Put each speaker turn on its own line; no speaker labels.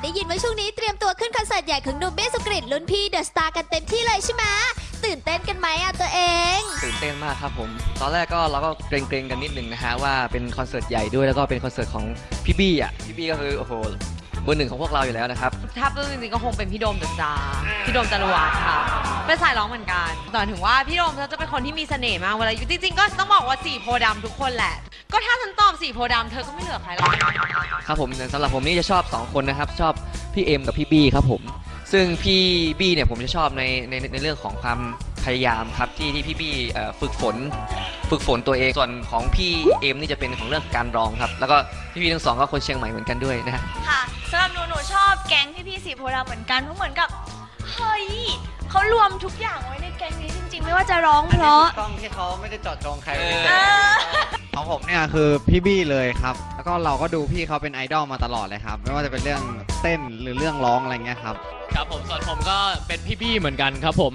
ได้ยินว่าช่วงนี้เตรียมตัวขึ้นคอนเสิร์ตใหญ่ของหนุ่มเบสสุกฤตรุ่นพี่เดอะสตาร์กันเต็มที่เลยใช่ไหมตื่นเต้นกันไหมอ่ะตัวเอง
ตื่นเต้นมากครับผมตอนแรกก็เราก็เกรงๆกันนิดนึงนะฮะว่าเป็นคอนเสิร์ตใหญ่ด้วยแล้วก็เป็นคอนเสิร์ตของพี่บี้อ่ะพี่บี้ก็คือโอ้โหเบอร์หนึ่งของพวกเราอยู่แล้วนะครับ
ถ้าพูดจริงๆก็คงเป็นพี่โดมเดอะสตาร์พี่โดมจารวัฒน์ค่ะเป็นสายร้องเหมือนกันแต่ถึงว่าพี่โดมเขาจะเป็นคนที่มีเสน่ห์มากเวลาจริงๆก็ต้องบอกว่าสีโพธิ์ดำทุกคนแหละ ก็ถ้าฉันตอบสีโพธิ์ดำเธอก็ไม่เหลือใครแล้ว
ครับผมสำหรับผมนี่จะชอบ2คนนะครับชอบพี่เอ็มกับพี่บี้ครับผมซึ่งพี่บี้เนี่ยผมจะชอบในเรื่องของความพยายามครับที่พี่บี้ฝึกฝนตัวเองส่วนของพี่เอ็มนี่จะเป็นของเรื่องการร้องครับแล้วก็พี่ๆทั้งสองก็คนเชียงใหม่เหมือนกันด้วยนะฮะ
ค่ะสำหรับหนูชอบแก๊งพี่ๆสีโพธิ์ดำเหมือนกันเพราะเหมือนกับเฮ้ยเขารวมทุกอย่างไว้ในแก๊งนี้จริงๆ ไม่ว่าจะร้องเพราะ
กล้องที่เขาไม่ได้เจาะจงใคร
เออ
ของผมเนี่ยคือพี่บี้เลยครับ แล้วก็เราก็ดูพี่เขาเป็นไอดอลมาตลอดเลยครับ ไม่ว่าจะเป็นเรื่องเต้นหรือเรื่องร้องอะไรเงี้ยครับ
ครับผมส่วนผมก็เป็นพี่ๆเหมือนกันครับผม